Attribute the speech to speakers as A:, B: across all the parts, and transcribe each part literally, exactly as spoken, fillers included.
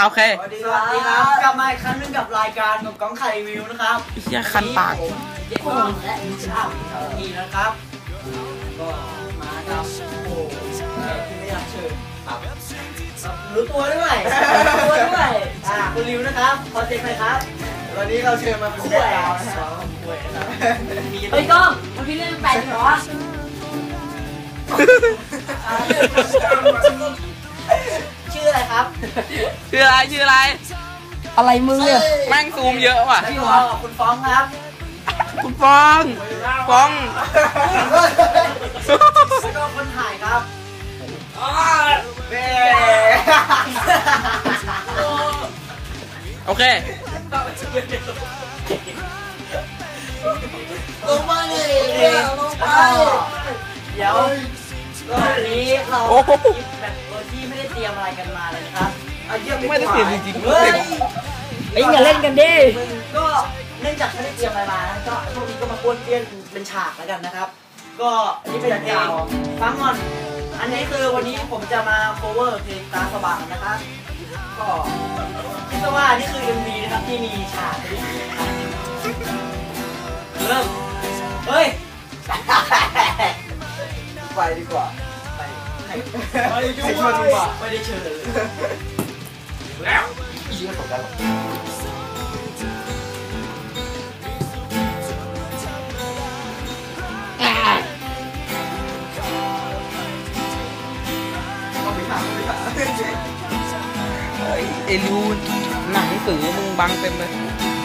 A: โอเค
B: สวัสดีครับกลับมาอีกครั้งนึงกับรายการกับก้องไข่วิวนะครับ
A: เฮียคันปาก
B: เด็กน้องและอิชาอีนะครับก็มาครับโอ้ที่ไม่อยากเชิญรู้ตัวด้วยรู้ตัวด้วยอ่าคุณริวนะครับขอเซ็กหน่อยครับวันนี้เราเชิญมาเป็นแขกดาวนะครับเฮ้ยก้องมันพี่เล่นแปดเหรอชื่ออะไรครับ
A: ชื่ออะไรชื่ออะไร
C: อะไรมึงเนี่ย
A: แม่งซูมเยอะว่ะ
B: พี่ฟ้องคุณฟ้องครับ
A: คุณฟ้องฟ้อง
B: แล้วก็คนถ่ายครับเบ้
A: โอเค
B: ลงมาเลยลงไปเดี๋ยววันนี้เราแบบโดยที่ไม่ได้เตรียมอะไรกันมาเลยนะครับ
A: ไม่ได้เตรียมจริงๆ
B: เฮ้ย
C: ไอ้อย่าเล่นกันดิ
B: ก็เนื่องจากไม่ได้เตรียมอะไรมานะก็ช่วงนี้ก็มาป้วนเปี้ยนเป็นฉากแล้วกันนะครับก็อันนี้เป็นเพลงฟังก่อนอันนี้คือวันนี้ผมจะมา cover เพลงตาสว่างนะครับก็คิดว่านี่คือ เอ็ม วี นะครับที่มีฉากเริ่มเฮ้ยไปดีกว่าไปไปชวนดีกว่าไม่ได้เชิญเลยแล้วอีกไม่ตกกันหรอก
A: ไอ้รูหนังสือมึงบังเต็มเลย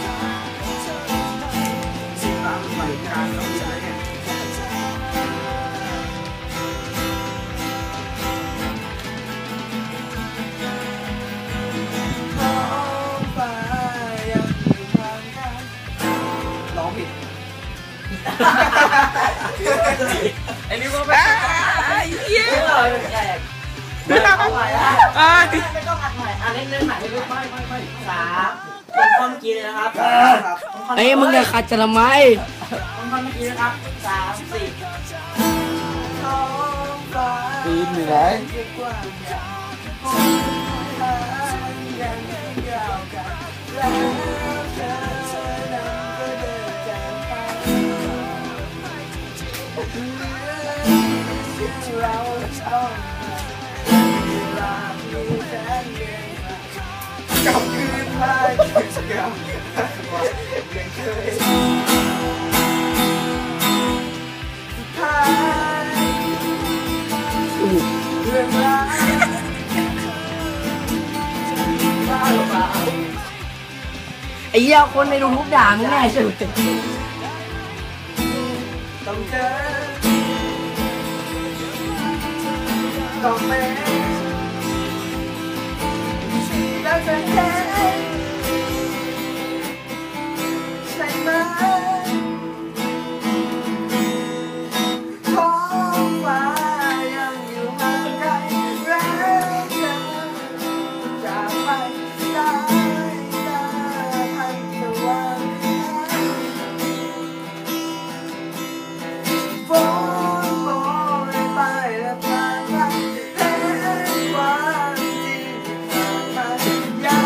B: ร้องผิดไอ้นี่ก็
A: ไม่ไอ้เหี้ย
B: ไม่ต้องอัดใหม่ละไม่ต้องอัดใหม่อ่ะเล่นเล่นใหม่ไม่ไม่ไม่ไม่สามต้นท่อนเมื่อกี้เลยนะครับ
C: ไอ้มึงจะขัดจะทำไม
B: ต้นท่อนเมื่อกี้นะครับสามสี่
C: ปีนอยู่ไหน
B: กลับคืนมาเสียงยังเคยสุดท้ายเรื่องราว
C: ไอ้เหี้ยคนในดูทุกด่ามึงแน่สุด
B: ต้องเจอต้องแม้แล้วจะแค่ใช่ไหมท้องฟ้ายังอยู่ห่างไกลแล้วเธอจะไปได้ได้ทันตะวันฝนโปรยไปและผ่านไปเห็นความจริงผ่านมายัง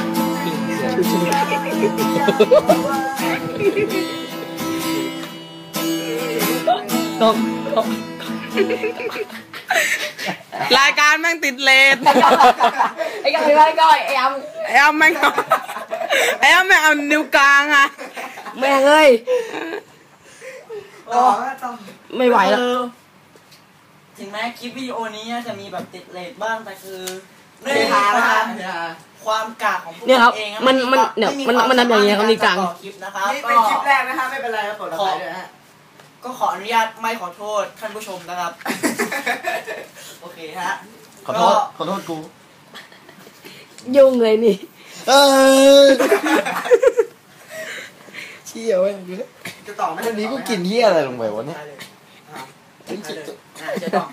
C: ต้อง
A: รายการแม่งติดเลน
C: ไอ้ก้อยไอ้ก้อยไอ้อ้ำ
A: ไอ้อ้ำแม่งไอ้อ้ำแม่งเอานิ้วกลางอะ
C: แม่งเอ้ยไม่ไหวแล้ว
B: ถึงแม้คลิปวิดีโอนี้จะมีแบบติดเลทบ้างแต่คือเนื้อหานะครับความกากของพวกเราเอง
C: มันมันเนี่ยมันมันทำอย่างเงี้ยเขามีกลาง
B: คลิปนะครับนี่เป็นคลิปแรกนะฮะไม่เป็นไรครับขอขอก็ขออนุญาตไม่ขอโทษท่านผู้ชมนะครับโอเคฮะ
D: ขอโทษขอโทษกู
C: ยุ่งเลยนี่
D: เออเชี่ยวเว้ย
B: จะต่อไหม
D: วันนี้กูกินเหี้ยอะไรลงไปวะเนี่ย
B: จะต่อ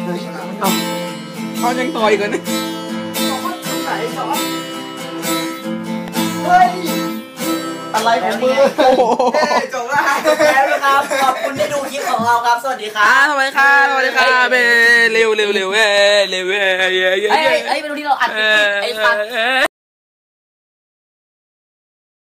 A: เขายังต่อยกันนี่
B: เฮ้ย
D: อะไรของมึง
B: จบแล้วแล้วนะครับขอบคุณที่ดูคลิปของเราครับสวัสดีครับ
A: สวัสดีค่ะสวัสดีค่ะเบเร็วเร็วเร็วเร็วเร็วเร็วเร็ว
C: ไอ้ไอ้เป็นที่เราอัดไอ้สัตว์